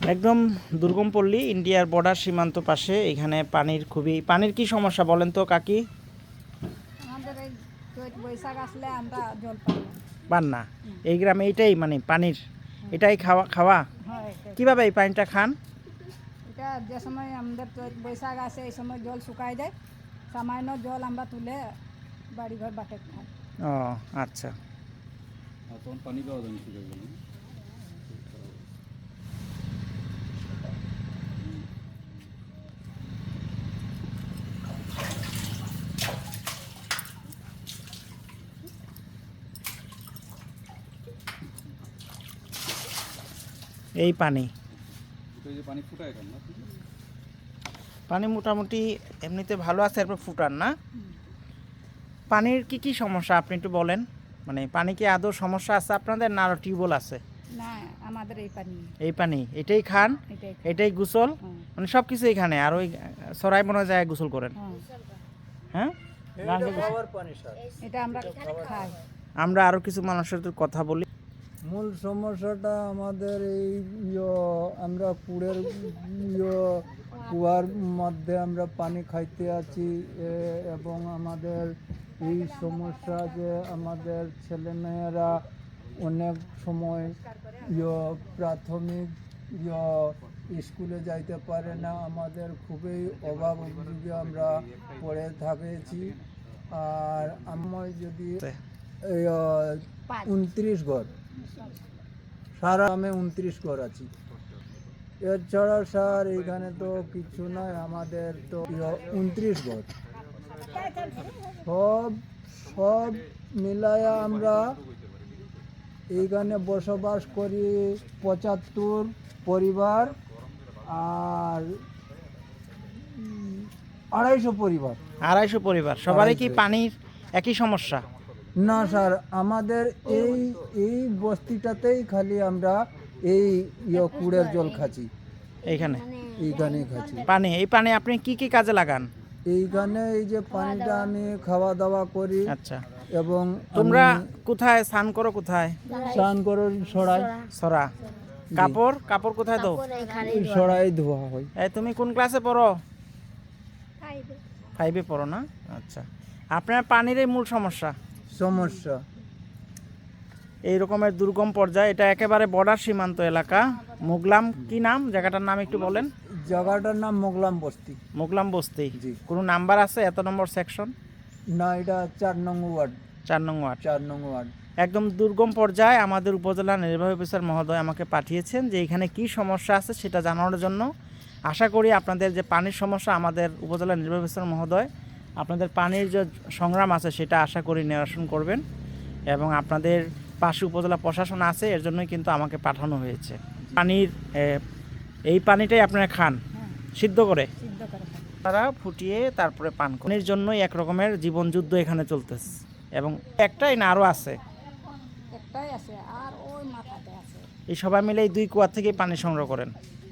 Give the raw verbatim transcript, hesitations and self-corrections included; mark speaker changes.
Speaker 1: একদম দুর্গম পল্লী, ইন্ডিয়ার বর্ডার সীমান্ত পাশে। এখানে পানির খুবই পানির কি সমস্যা বলেন তো কাকি?
Speaker 2: আমাদের এই চৈত বৈশাখ আসলে আমরা জল পাই না।
Speaker 1: পান না? এই গ্রামে এইটাই মানে পানির এটাই খাওয়া খাওয়া
Speaker 2: হ্যাঁ, এটাই।
Speaker 1: কিভাবে এই পানিটা খান?
Speaker 2: এটা যে সময় আমাদের চৈত বৈশাখ আসে এই সময় জল শুকায় যায়, সামান্য জল আমরা তুলে বাড়ি ঘর বাটে খাই।
Speaker 1: ও আচ্ছা।
Speaker 3: আর তখন পানি পাওয়া যায় না শুকিয়ে গেলে।
Speaker 1: এই পানি
Speaker 3: তো এই যে পানি ফুটায় কেন না?
Speaker 1: পানি মোটামুটি এমনিতে ভালো আছে, এরপর ফুটান না? পানির কি কি সমস্যা আপনি একটু বলেন। মানে পানি কি আদৌ সমস্যা আছে আপনাদের, না আরও টিউবওয়েল আছে?
Speaker 2: না, আমাদের এই পানি
Speaker 1: এই পানি এটাই খান,
Speaker 2: এটাই খাই।
Speaker 1: এটাই গোসল,
Speaker 2: হুম।
Speaker 1: মানে সব কিছু এখানে। আর ওই সরাই মনে যায় গোসল করেন?
Speaker 2: হ্যাঁ,
Speaker 1: হ্যাঁ,
Speaker 2: এটা আমরা খাই।
Speaker 1: আমরা আরও কিছু মানুষের সাথে কথা বলি।
Speaker 4: মূল সমস্যাটা আমাদের এই ইয়ে আমরা কুড়ের ইয়ে কুয়ার মধ্যে আমরা পানি খাইতে আছি এ- এবং আমাদের এই সমস্যা যে আমাদের ছেলেমেয়েরা অনেক সময় ইয়ে প্রাথমিক ইয়ে স্কুলে যাইতে পারে না। আমাদের খুবই অভাব অভিযোগে আমরা পড়ে থাকেছি। আর আমার যদি এই উনত্রিশ ঘর, সারা আমি উনত্রিশ ঘর আছি। এছাড়া স্যার এইখানে তো কিছু নাই, আমাদের তো উনত্রিশ ঘর। সব সব মিলায়া আমরা এইখানে বসবাস করি পঁচাত্তর পরিবার আর উম, আড়াইশো পরিবার।
Speaker 1: আড়াইশো পরিবার, সবারই কি
Speaker 4: আড়াইশো।
Speaker 1: পানির একই সমস্যা?
Speaker 4: না স্যার, আমাদের এই এই বস্তিটাতেই খালি আমরা এই ইয়ে কুড়ের জল খাচ্ছি,
Speaker 1: এইখানে
Speaker 4: এইখানেই খাচ্ছি।
Speaker 1: পানি, এই পানি আপনি কি কি কাজে লাগান?
Speaker 4: এইখানে এই যে পানিটা আমি খাওয়া দাওয়া করি
Speaker 1: আচ্ছা,
Speaker 4: এবং
Speaker 1: তোমরা
Speaker 4: আমি
Speaker 1: কোথায় স্নান করো? কোথায়?
Speaker 4: স্নান করে সরাই
Speaker 1: সরা। কাপড় কাপড় কোথায় দাও?
Speaker 4: সরাই ধোয়া হয়।
Speaker 1: এই তুমি কোন ক্লাসে পড়ো? ফাইভে পড়ো না? আচ্ছা, আপনার পানির এই মূল সমস্যা
Speaker 4: সমস্যা
Speaker 1: এই রকমের দুর্গম পর্যায়ে। এটা একেবারে বর্ডার সীমান্ত এলাকা। মোগলাম কি নাম জায়গাটার নাম একটু বলেন?
Speaker 4: জায়গাটার নাম মোগলাম বস্তি।
Speaker 1: মোগলাম বস্তি।
Speaker 4: জি।
Speaker 1: কোনো নাম্বার আছে? এত নম্বর সেকশন?
Speaker 4: না, এটা চার নং ওয়ার্ড।
Speaker 1: চার নং ওয়ার্ড।
Speaker 4: চার নং ওয়ার্ড।
Speaker 1: একদম দুর্গম পর্যায়ে আমাদের উপজেলা নির্বাহী অফিসার মহোদয় আমাকে পাঠিয়েছেন যে এখানে কি সমস্যা আছে সেটা জানানোর জন্য। আশা করি আপনাদের যে পানির সমস্যা, আমাদের উপজেলা নির্বাহী অফিসার মহোদয় আপনাদের পানির যে সংগ্রাম আছে সেটা আশা করি নিরসন করবেন। এবং আপনাদের পাশে উপজেলা প্রশাসন আছে, এর জন্যই কিন্তু আমাকে পাঠানো হয়েছে। পানির এ, এই পানিটাই আপনারা খান সিদ্ধ করে,
Speaker 2: সিদ্ধ করে খাই।
Speaker 1: তারা ফুটিয়ে তারপরে পান করেন। পানির জন্যই এক রকমের জীবন যুদ্ধ এখানে চলতেছে। এবং একটাই না, আরও আছে।
Speaker 2: একটাই আছে আর ওই মাথাতে আছে।
Speaker 1: এই সবাই মিলে এই দুই কুয়া থেকে পানি সংগ্রহ করেন।